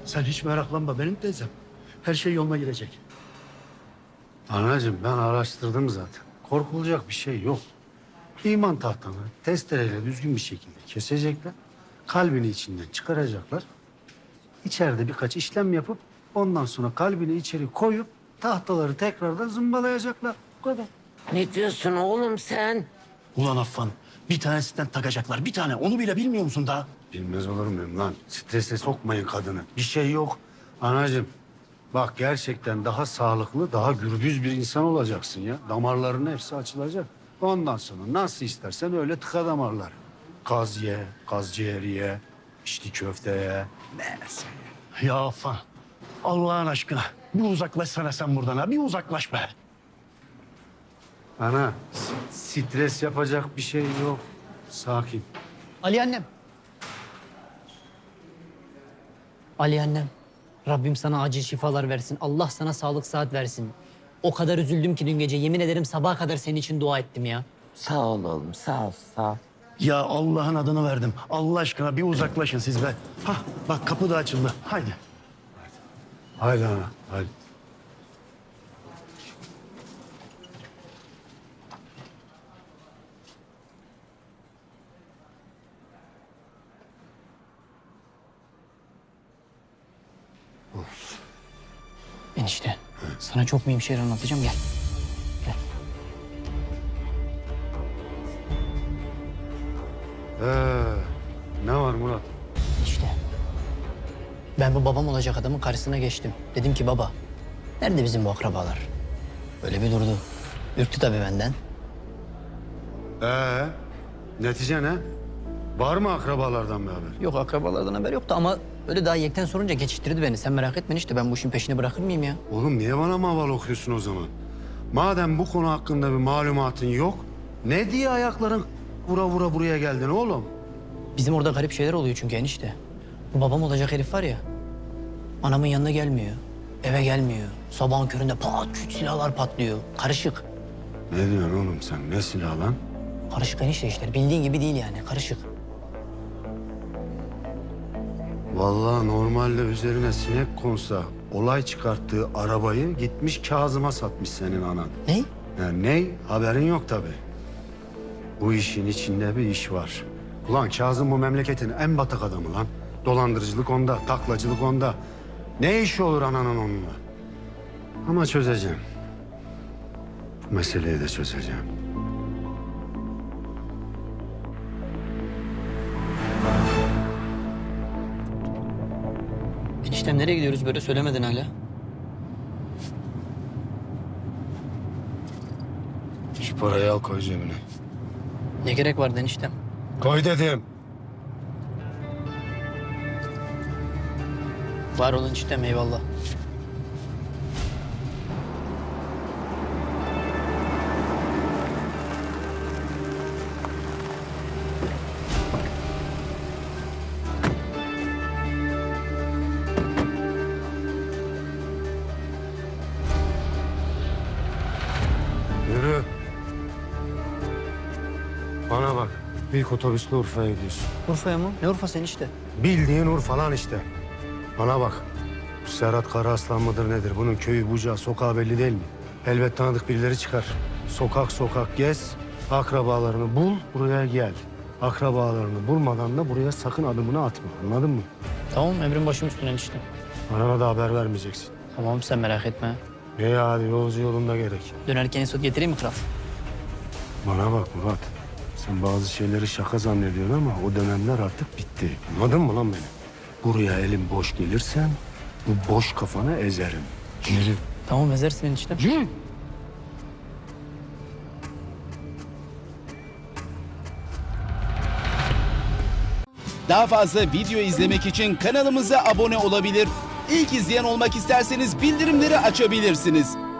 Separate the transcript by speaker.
Speaker 1: Sen hiç meraklanma benim teyzem. Her şey yoluna girecek.
Speaker 2: Anacığım ben araştırdım zaten. Korkulacak bir şey yok. İman tahtanı testereyle düzgün bir şekilde kesecekler. Kalbini içinden çıkaracaklar. İçeride birkaç işlem yapıp ondan sonra kalbini içeri koyup tahtaları tekrardan zımbalayacaklar. Bu kadar.
Speaker 3: Ne diyorsun oğlum sen?
Speaker 1: Ulan Affan, bir tanesinden takacaklar. Bir tane, onu bile bilmiyor musun daha?
Speaker 2: Bilmez olur muyum lan? Strese sokmayın kadını. Bir şey yok. Anacığım bak gerçekten daha sağlıklı, daha gürbüz bir insan olacaksın ya. Damarların hepsi açılacak. Ondan sonra nasıl istersen öyle tıka damarlar. Kaz ye, kaz ciğeri ye, içli köfte ye. Neyse.
Speaker 1: Ya Affan, Allah'ın aşkına bir uzaklaşsana sen buradan ha. Bir uzaklaş be.
Speaker 2: Ana stres yapacak bir şey yok. Sakin.
Speaker 4: Ali annem. Ali annem. Rabbim sana acil şifalar versin. Allah sana sağlık sıhhat versin. O kadar üzüldüm ki dün gece. Yemin ederim sabaha kadar senin için dua ettim ya.
Speaker 3: Sağ ol oğlum, sağ ol, sağ ol.
Speaker 1: Ya Allah'ın adını verdim. Allah aşkına bir uzaklaşın siz be. Hah bak kapı da açıldı. Haydi.
Speaker 2: Haydi ana, haydi.
Speaker 4: Enişte. Sana çok mühim şeyler anlatacağım. Gel. Gel.
Speaker 2: Ne var Murat?
Speaker 4: İşte. Ben bu babam olacak adamın karşısına geçtim. Dedim ki baba, nerede bizim bu akrabalar? Böyle bir durdu. Ürktü tabii benden.
Speaker 2: Netice ne? Var mı akrabalardan bir haber?
Speaker 4: Yok akrabalardan haber yoktu ama öyle daha yekten sorunca geçiştirdi beni. Sen merak etme işte ben bu işin peşini bırakır mıyım ya?
Speaker 2: Oğlum niye bana maval okuyorsun o zaman? Madem bu konu hakkında bir malumatın yok, ne diye ayakların vura vura buraya geldin oğlum?
Speaker 4: Bizim orada garip şeyler oluyor çünkü enişte. Bu babam olacak herif var ya, anamın yanına gelmiyor, eve gelmiyor. Sabahın köründe pat küt silahlar patlıyor. Karışık.
Speaker 2: Ne diyorsun oğlum sen? Ne silah lan?
Speaker 4: Karışık enişte işler. Bildiğin gibi değil yani, karışık.
Speaker 2: Vallahi normalde üzerine sinek konsa olay çıkarttığı arabayı gitmiş Kazım'a satmış senin anan.
Speaker 4: Ne?
Speaker 2: Yani ne? Haberin yok tabii. Bu işin içinde bir iş var. Ulan Kazım bu memleketin en batak adamı lan. Dolandırıcılık onda, taklacılık onda. Ne işi olur ananın onunla? Ama çözeceğim. Bu meseleyi de çözeceğim.
Speaker 4: Eniştem nereye gidiyoruz böyle söylemedin hala.
Speaker 2: Şu parayı al koy cebine.
Speaker 4: Ne gerek vardı eniştem?
Speaker 2: Koy dedim.
Speaker 4: Var olun eniştem eyvallah.
Speaker 2: Yürü. Bana bak. İlk otobüsle Urfa'ya gidiyorsun.
Speaker 4: Urfa'ya mı? Ne Urfa'sı enişte?
Speaker 2: Bildiğin Urfa lan işte. Bana bak. Bu Serhat Karaaslan mıdır nedir? Bunun köyü, bucağı, sokağı belli değil mi? Elbet tanıdık birileri çıkar. Sokak sokak gez. Akrabalarını bul, buraya gel. Akrabalarını bulmadan da buraya sakın adımını atma. Anladın mı?
Speaker 4: Tamam emrin başım üstüne enişte.
Speaker 2: Bana da haber vermeyeceksin.
Speaker 4: Tamam sen merak etme.
Speaker 2: İyi hadi yolcu yolunda gerek.
Speaker 4: Dönerken Esot getireyim mi kral?
Speaker 2: Bana bak Murat. Sen bazı şeyleri şaka zannediyorsun ama o dönemler artık bitti. Anladın mı lan beni? Buraya elim boş gelirsen bu boş kafanı ezerim. Yürü.
Speaker 4: Tamam ezersin eniştem.
Speaker 2: Yürü.
Speaker 5: Daha fazla video izlemek için kanalımıza abone olabilir. İlk izleyen olmak isterseniz bildirimleri açabilirsiniz.